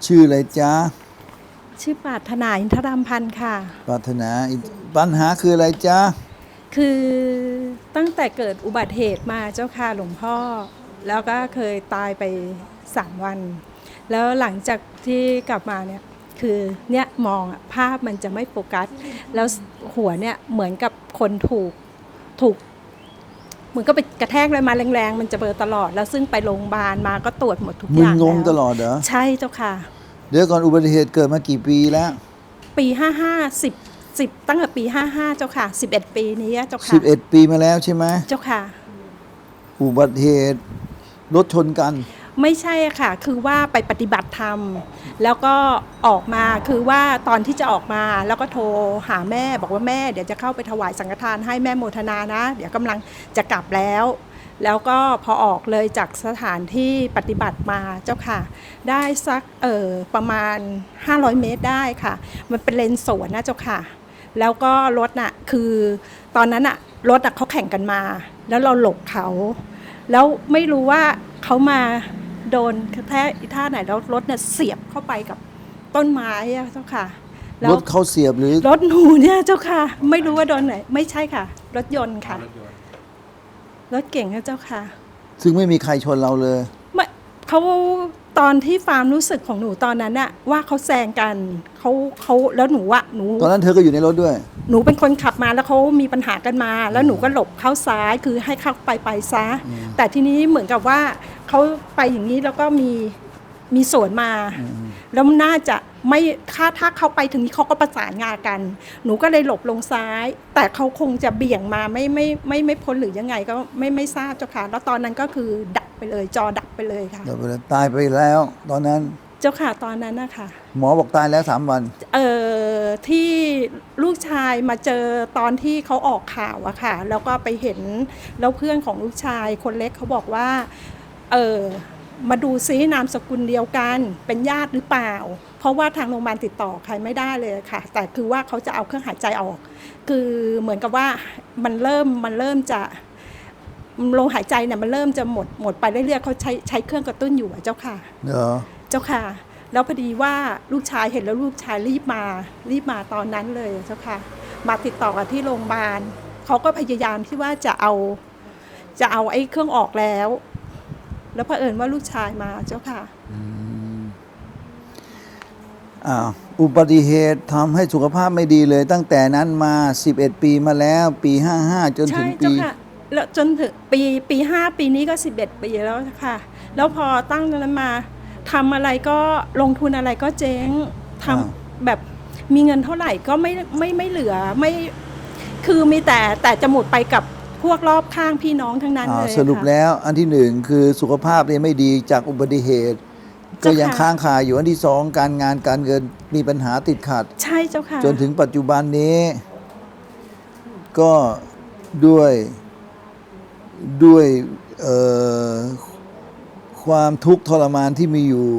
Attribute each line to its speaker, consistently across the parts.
Speaker 1: ชื่ออะไรจ๊ะ
Speaker 2: ชื่อปรารถนาอินทรามพันธ์ค่ะ
Speaker 1: ปรารถนาปัญหาคืออะไรจ๊ะ
Speaker 2: คือตั้งแต่เกิดอุบัติเหตุมาเจ้าค่ะหลวงพ่อแล้วก็เคยตายไป3 วันแล้วหลังจากที่กลับมาเนี่ยคือเนี่ยมองภาพมันจะไม่โฟกัสแล้วหัวเนี่ยเหมือนกับคนถูกเหมือนก็ไปกระแทกอะไรมาแรงๆมันจะเบลอตลอดแล้วซึ่งไปโรงพยาบาลมาก็ตรวจหมดทุกอ
Speaker 1: มึน
Speaker 2: ย่าง
Speaker 1: งง
Speaker 2: แล้ว
Speaker 1: ตลอดเหรอ
Speaker 2: ใช่เจ้าค่ะ
Speaker 1: เดี๋ยวก่อนอุบัติเหตุเกิดมากี่ปีแล้ว
Speaker 2: ปี55ตั้งแต่ปี55เจ้าค่ะ11 ปีนี้เจ้าค่ะ
Speaker 1: 11 ปีมาแล้วใช่ไหม
Speaker 2: เจ้าค่ะ
Speaker 1: อุบัติเหตุรถชนกัน
Speaker 2: ไม่ใช่ค่ะคือว่าไปปฏิบัติธรรมแล้วก็ออกมาคือว่าตอนที่จะออกมาแล้วก็โทรหาแม่บอกว่าแม่เดี๋ยวจะเข้าไปถวายสังฆทานให้แม่โมทนานะเดี๋ยวกำลังจะกลับแล้วก็พอออกเลยจากสถานที่ปฏิบัติมาเจ้าค่ะได้สักประมาณ500 เมตรได้ค่ะมันเป็นเลนสวนนะเจ้าค่ะแล้วก็รถน่ะคือตอนนั้นน่ะรถน่ะเขาแข่งกันมาแล้วเราหลบเขาแล้วไม่รู้ว่าเขามาโดนกระแทกอีท่าไหนแล้วรถเนี่ยเสียบเข้าไปกับต้นไม้เจ้าค่ะ
Speaker 1: รถเขาเสียบหรือ
Speaker 2: รถหนูเนี่ยเจ้าค่ะไม่รู้ว่าโดนไหนไม่ใช่ค่ะรถยนต์ค่ะรถเก่งนะเจ้าค่ะ
Speaker 1: ซึ่งไม่มีใครชนเราเลย
Speaker 2: เขาตอนที่ความรู้สึกของหนูตอนนั้นน่ะว่าเขาแซงกันเขาแล้วหนู
Speaker 1: ตอนนั้นเธอก็อยู่ในรถด้วย
Speaker 2: หนูเป็นคนขับมาแล้วเขามีปัญหากันมาแล้วหนูก็หลบเข้าซ้ายคือให้เข้าไปซะแต่ทีนี้เหมือนกับว่าเขาไปอย่างนี้แล้วก็มีสวนมาแล้วน่าจะไม่ถ้าเขาไปถึงนี้เขาก็ประสานงานกันหนูก็เลยหลบลงซ้ายแต่เขาคงจะเบี่ยงมาไม่พ้นหรือยังไงก็ไม่ทราบเจ้าค่ะแล้วตอนนั้นก็คือดับไปเลยจอดับไปเลยค่ะ
Speaker 1: ตายไปแล้วตอนนั้น
Speaker 2: เจ้าค่ะตอนนั้นนะคะ
Speaker 1: หมอบอกตายแล้ว3 วัน
Speaker 2: ที่ลูกชายมาเจอตอนที่เขาออกข่าวอะค่ะแล้วก็ไปเห็นแล้วเพื่อนของลูกชายคนเล็กเขาบอกว่ามาดูซินามสกุลเดียวกันเป็นญาติหรือเปล่าเพราะว่าทางโรงพยาบาลติดต่อใครไม่ได้เลยค่ะแต่คือว่าเขาจะเอาเครื่องหายใจออกคือเหมือนกับว่ามันเริ่มจะลมหายใจเนี่ยมันเริ่มจะหมดไปเรื่อยๆเขาใช้เครื่องกระตุ้นอยู่เจ้าค่ะเจ้าค่ะแล้วพอดีว่าลูกชายเห็นแล้วลูกชายรีบมาตอนนั้นเลยเจ้าค่ะมาติดต่อกับที่โรงพยาบาลเขาก็พยายามที่ว่าจะเอาไอ้เครื่องออกแล้วเผอิญว่าลูกชายมาเจ้าค่ะ
Speaker 1: อุบัติเหตุทำให้สุขภาพไม่ดีเลยตั้งแต่นั้นมา11 ปีมาแล้วปี55จนถึงปี
Speaker 2: แล้วจนถึงปี5ปีนี้ก็11 ปีแล้วค่ะแล้วพอตั้งนั้นมาทำอะไรก็ลงทุนอะไรก็เจ๊งทำแบบมีเงินเท่าไหร่ก็ไม่เหลือไม่คือมีแต่จะหมดไปกับพวกรอบข้างพี่น้องทั้งนั้นเลย
Speaker 1: สรุปแล้วอันที่1คือสุขภาพเนี่ยไม่ดีจากอุบัติเหตุก็ยังค้างคาอยู่อันที่2การงานการเงินมีปัญหาติดขัด
Speaker 2: ใช่เจ้าค่ะ
Speaker 1: จนถึงปัจจุบันนี้ก็ด้วยความทุกข์ทรมานที่มีอยู่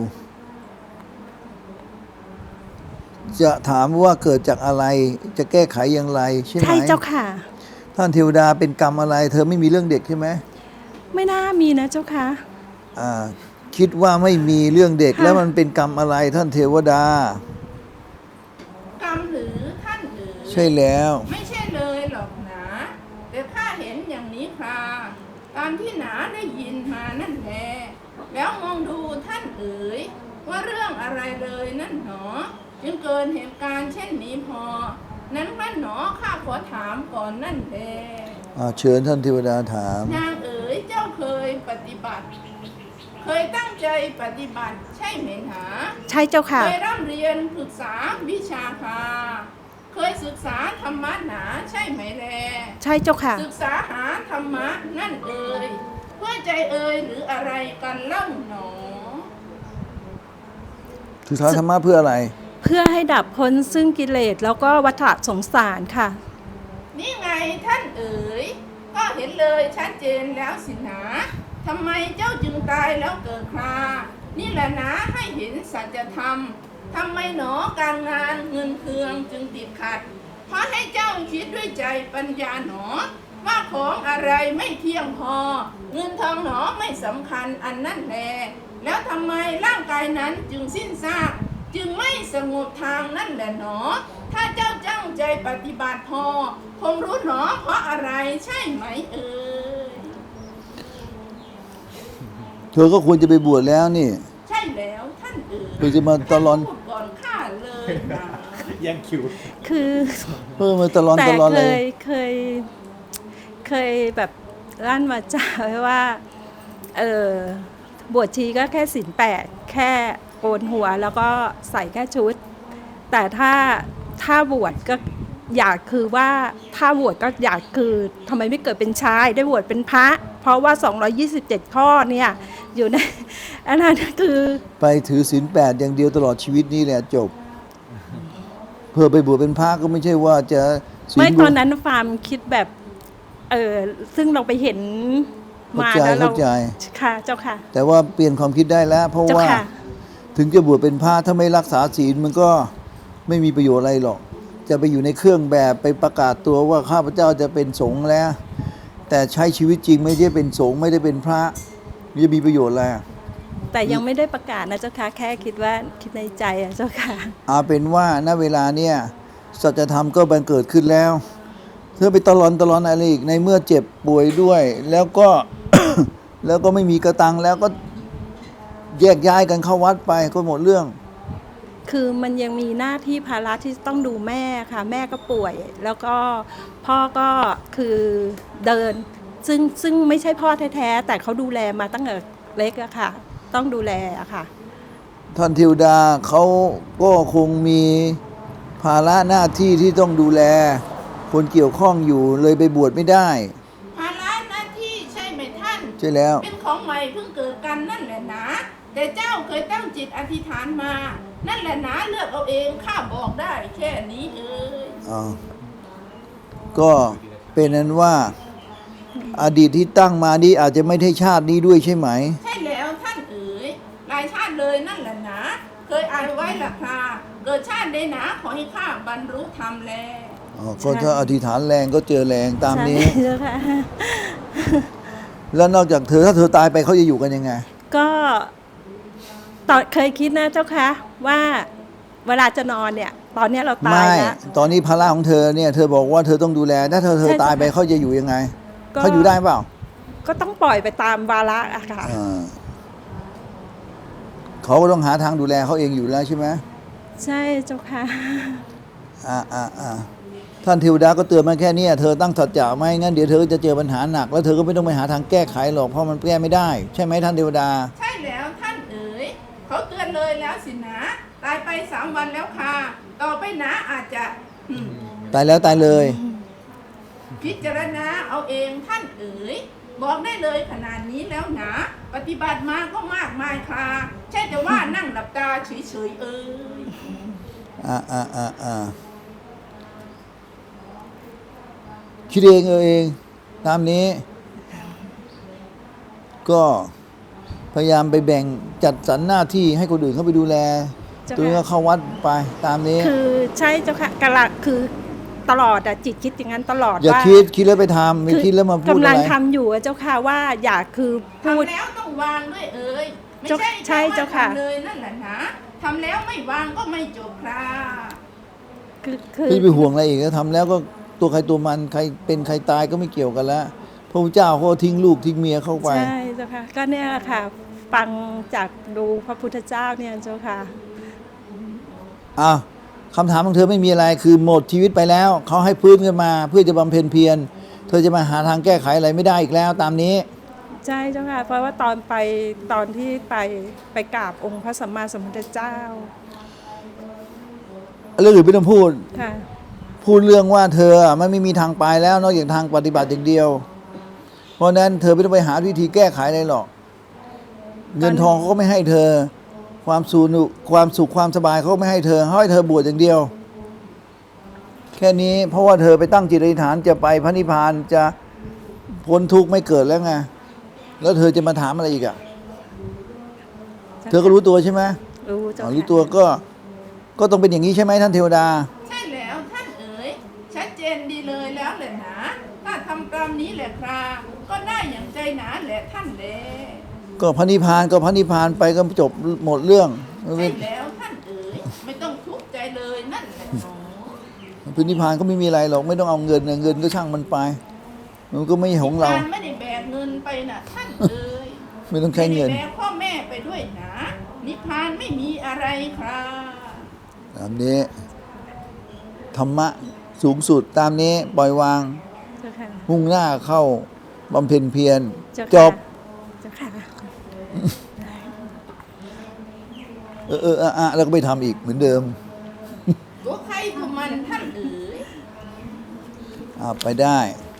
Speaker 1: จะถามว่าเกิดจากอะไรจะแก้ไขอย่างไรใช่ไหม
Speaker 2: ใช่เจ้าค่ะ
Speaker 1: ท่านเทวดาเป็นกรรมอะไรเธอไม่มีเรื่องเด็กใช่ไหม
Speaker 2: ไม่น่ามีนะเจ้าค่ะ
Speaker 1: คิดว่าไม่มีเรื่องเด็กแล้วมันเป็นกรรมอะไรท่านเทวดาก
Speaker 3: รรมหรือท่านหรือ
Speaker 1: ใช่แล้ว
Speaker 3: ไม่ใช่เลยหรอกนะแต่ข้าเห็นอย่างนี้ค่ะตามที่หนาได้ยินมานั่นแหละแล้วมองดูท่านเอ๋ยว่าเรื่องอะไรเลยนั่นหนอจึงเกิดเหตุการณ์เช่นนี้พอนั้นพระหนอข้าขอถามก่อนนั่นแหละ
Speaker 1: เชิญท่านเทวดาถาม
Speaker 3: นางเอ๋ยเจ้าเคยปฏิบัติเคยตั้งใจปฏิบัติใช่ไหมหา
Speaker 2: ใช่เจ้าค่ะ
Speaker 3: เคยร่ำเรียนศึกษาวิชาค่ะเคยศึกษาธรรมะหนาใช่ไหมแล
Speaker 2: ใช่เจ้าค่ะ
Speaker 3: ศึกษาหาธรรมะนั่นเอ่ยเพื่อใจเอ่ยหรืออะไรกันเล่าหนอ
Speaker 1: ศึกษาธรรมะเพื่ออะไร
Speaker 2: เพื่อให้ดับพ้นซึ่งกิเลสแล้วก็วัฏสงสารค่ะ
Speaker 3: นี่ไงท่านเอ๋ยก็เห็นเลยชัดเจนแล้วสินะทำไมเจ้าจึงตายแล้วเกิดครานี่แหละนะให้เห็นสัจธรรมทำไมหนอการงานเงินเคืองจึงติดขัดเพราะให้เจ้าคิดด้วยใจปัญญาหนอว่าของอะไรไม่เที่ยงพอเงินทองหนอไม่สำคัญอันนั่นแลแล้วทำไมร่างกายนั้นจึงสิ้นซากจึงไม่สงบทางนั่นแหละหนอถ้าเจ้าจ้างใจปฏิบัติพอคงรู้หนอเพราะอะไรใช่ไหมเอ่ย
Speaker 1: เธอก็ควรจะไปบวชแล้วนี่
Speaker 3: ใช่แล้วท่านเอ๋ย
Speaker 1: เธอจะมาตะลอน
Speaker 3: พูดก่อนข้าเลยนะ
Speaker 4: แย่งคิว
Speaker 2: คือ
Speaker 1: มาตะลอน
Speaker 2: แต่
Speaker 1: ตะลอน
Speaker 2: เค
Speaker 1: เลย
Speaker 2: ยเคยแบบลั่นวาจาไว้ว่าบวชชีก็แค่ศีล8แค่โกนหัวแล้วก็ใส่แค่ชุด แต่ถ้าบวชก็อยากคือว่าถ้าบวชก็อยากคือทำไมไม่เกิดเป็นชายได้บวชเป็นพระ เพราะว่า 227 ข้อเนี่ยอยู่ในอันนั้นคือ
Speaker 1: ไปถือศีล8อย่างเดียวตลอดชีวิตนี่แหละจบ เพื่อไปบวชเป็นพระก็ไม่ใช่ว่าจะศีล
Speaker 2: ไม่ตอนนั้นฟาร์มคิดแบบซึ่งเราไปเห็นมาแล้วเรา
Speaker 1: เข้าใจ
Speaker 2: ค่ะเจ้าค่ะ
Speaker 1: แต่ว่าเปลี่ยนความคิดได้แล้ว เพราะ
Speaker 2: เจ้า
Speaker 1: ว่า
Speaker 2: ค่ะ
Speaker 1: ถึงจะบวชเป็นพระถ้าไม่รักษาศีลมันก็ไม่มีประโยชน์อะไรหรอก จะไปอยู่ในเครื่องแบบไปประกาศตัวว่าข้าพเจ้าจะเป็นสงฆ์แล้ว แต่ใช้ชีวิตจริงไม่ได้เป็นสงฆ์ไม่ได้เป็นพระมันจะมีประโยชน์อะไร
Speaker 2: แต่ยังไม่ได้ประกาศนะเจ้าค่ะแค่คิดว่าคิดในใจอะเจ้าค่ะ
Speaker 1: เอาเป็นว่าณเวลาเนี่ยสัจธรรมก็บังเกิดขึ้นแล้ว เธอไปตลอนอะไรอีกในเมื่อเจ็บป่วยด้วย แล้วก็ แล้วก็ไม่มีกระตังแล้วก็แยกย้ายกันเข้าวัดไปก็หมดเรื่อง
Speaker 2: คือมันยังมีหน้าที่ภาระที่ต้องดูแม่ค่ะ แม่ก็ป่วย แล้วก็พ่อก็คือเดิน ซึ่งไม่ใช่พ่อแท้ๆแต่เขาดูแลมาตั้งแต่เล็กอะค่ะ ต้องดูแลอะค่ะ
Speaker 1: ท่านเทวดาเขาก็คงมีภาระหน้าที่ที่ต้องดูแล คนเกี่ยวข้องอยู่เลยไปบวชไม่ได้
Speaker 3: ภาระหน้าที่ใช่ไหมท่าน
Speaker 1: ใช่แล้ว
Speaker 3: เป็นของใหม่เพิ่งเกิดกันนั่นแหละนะแต่เจ้าเคยตั้งจิตอธิษฐานมา นั่นแหละนะเลือกเอาเองข้าบอกได้แค่นี้เอ่ย
Speaker 1: ก็เป็นนั้นว่าอดีตที่ตั้งมานี้อาจจะไม่ใช่ชาตินี้ด้วยใช่ไหม
Speaker 3: ใช่แล้วท่านเอ๋ยหลายชาติเลยนั่นแหละนะเคยอ่านไว้ละคราเกิดชาติใดหนาขอให้ข้าบรรลุธรรมแล
Speaker 1: ก็ถ้าอธิษฐานแรงก็เจอแรงตามนี้
Speaker 2: ใช่เจ้าค่ะ
Speaker 1: แล้วนอกจากเธอถ้าเธอตายไปเขาจะอยู่กันยังไง
Speaker 2: ก็ตอนเคยคิดนะเจ้าค่ะว่าเวลาจะนอนเนี่ย ตอนเนี้ยเราตาย
Speaker 1: ไม่
Speaker 2: แล้ว
Speaker 1: ตอนนี้ภาระของเธอเนี่ยเธอบอกว่าเธอต้องดูแลถ้าเธอ
Speaker 2: ใช่
Speaker 1: ตายไป
Speaker 2: ค่ะ
Speaker 1: เขาจะอยู่ยังไง
Speaker 2: ก็
Speaker 1: เขาอยู่ได้เปล่า
Speaker 2: ก็ต้องปล่อยไปตามวาระอะค่ะ
Speaker 1: เขาก็ต้องหาทางดูแลเขาเองอยู่แล้วใช่ไหม
Speaker 2: ใช่เจ้าค่ะ
Speaker 1: ท่านเทวดาก็เตือนมาแค่นี้เธอตั้งสัจจะไหมงั้นเดี๋ยวเธอจะเจอปัญหาหนักแล้วเธอก็ไม่ต้องไปหาทางแก้ไขหรอกเพราะมันแก้ไม่ได้ใช่ไหมท่านเทวดา
Speaker 3: ใช่แล้วท่านเอ๋ยเขาเตือนเลยแล้วสินะตายไป3 วันแล้วค่ะต่อไปนะอาจจะ
Speaker 1: ตายแล้วตายเลย
Speaker 3: พิจารณาเอาเองท่านเอ๋ยบอกได้เลยขนาดนี้แล้วนะปฏิบัติมาก็มากมายค่ะใช่แต่ว่านั่งหลับตาเฉยๆเอ๋ย
Speaker 1: คิดเองเองตามนี้ ก็พยายามไปแบ่งจัดสรรหน้าที่ให้คนอื่นเขาไปดูแล
Speaker 2: เจ้าค่ะ
Speaker 1: ตัวเองก็เข้าวัดไปตามนี้
Speaker 2: คือใช่เจ้าค่ะกะละคือตลอดอะจิตคิดอย่างนั้นตลอด
Speaker 1: อย่า
Speaker 2: ว่า
Speaker 1: คิดแล้วไปทำไม่คิดแล้วมาพูด
Speaker 2: กำ
Speaker 1: อะ
Speaker 2: ลัง
Speaker 1: ไร
Speaker 2: ทำอยู่อะเจ้าค่ะว่าอยากคือพูด
Speaker 3: ทำแล้วต้องวางด้วยเอ๋ยไม่
Speaker 2: ใช่
Speaker 3: ใช่
Speaker 2: เจ้าค่ะ
Speaker 3: ทำเลยนั่นแหละนะทำแล้วไม่วางก็ไม่จบค่ะ
Speaker 2: คือ
Speaker 1: ไม่ไปห่วงอะไรอีกแล้วทำแล้วก็ตัวใครตัวมันใครเป็นใครตายก็ไม่เกี่ยวกันแล้วพระพุทธเจ้าเขาก็ทิ้งลูกทิ้งเมียเข้าไป
Speaker 2: ใช่เจ้าค่ะก็เนี่ยแหละค่ะ ฟังจากดูพระพุทธเจ้าเนี่ยเจ้าค่ะ
Speaker 1: คำถามของเธอไม่มีอะไรคือหมดชีวิตไปแล้วเขาให้พื้นขึ้นมา เพื่อจะบำเพ็ญเพียรเธอจะมาหาทางแก้ไขอะไรไม่ได้อีกแล้วตามนี้
Speaker 2: ใช่เจ้าค่ะ เพราะว่าตอนที่ไปกราบองค์พระสัมมาสัมพุทธเจ้า
Speaker 1: เรื่องอื่นไม่ต้องพูด
Speaker 2: ค่ะ
Speaker 1: พูดเรื่องว่าเธอมันไม่มีทางไปแล้วนอกจากทางปฏิบัติอย่างเดียว เพราะฉะนั้นเธอไม่ต้องไปหาวิธีแก้ไขอะไรหรอก เงินทองเขาก็ไม่ให้เธอ ความสุขความสบายเขาก็ไม่ให้เธอให้เธอบวชอย่างเดียว แค่นี้เพราะว่าเธอไปตั้งจิตอธิษฐานจะไปพระนิพพานจะพ้นทุกข์ไม่เกิดแล้วไงแล้วเธอจะมาถามอะไรอีกอ่ะเธอก็รู้ตัวใช่ไหม
Speaker 2: รู้เจ้า
Speaker 1: รู้
Speaker 2: ค่ะ
Speaker 1: ตัวก็ต้องเป็นอย่างนี้ใช่ไหมท่านเทวดา
Speaker 3: ใช่แล้วท่านเอ๋ยชัดเจนดีเลยแล้วแหละนะถ้าทำตามนี้แหละครับก็ได้อย่างใจหนาแหละท่านแล
Speaker 1: ก็พระนิพพานก็พระนิพพานไปก็จบหมดเรื่อง
Speaker 3: ใช่แล้วท่านเอ๋ยไม่ต้องทุกข์ใจเลยนั่นแหละหนอ
Speaker 1: พระนิพพานก็ไม่มีอะไรหรอกไม่ต้องเอาเงินนะเงินก็ช่างมันไป มันก็ไม่ใช่ของเรา
Speaker 3: การไม่ได้แบกเงินไปน่ะท่านเอ๋ย
Speaker 1: ไม่ต้องใช้เงิน
Speaker 3: ไม่ได้แบกพ่อแม่ไปด้วยนะนิพพานไม่มีอะไรครับ
Speaker 1: ตามนี้ธรรมะสูงสุดตามนี้ปล่อยวาง
Speaker 2: เจ้าค่ะ
Speaker 1: มุ่งหน้าเข้าบำเพ็ญเพียร
Speaker 2: เจ้าค่ะ
Speaker 1: จบ
Speaker 2: เจ้าค่ะ
Speaker 1: แล้วก็ไปทำอีกเหมือนเดิม
Speaker 3: ตัวใครตัวมันท่านเอ๋ย
Speaker 1: ไปได้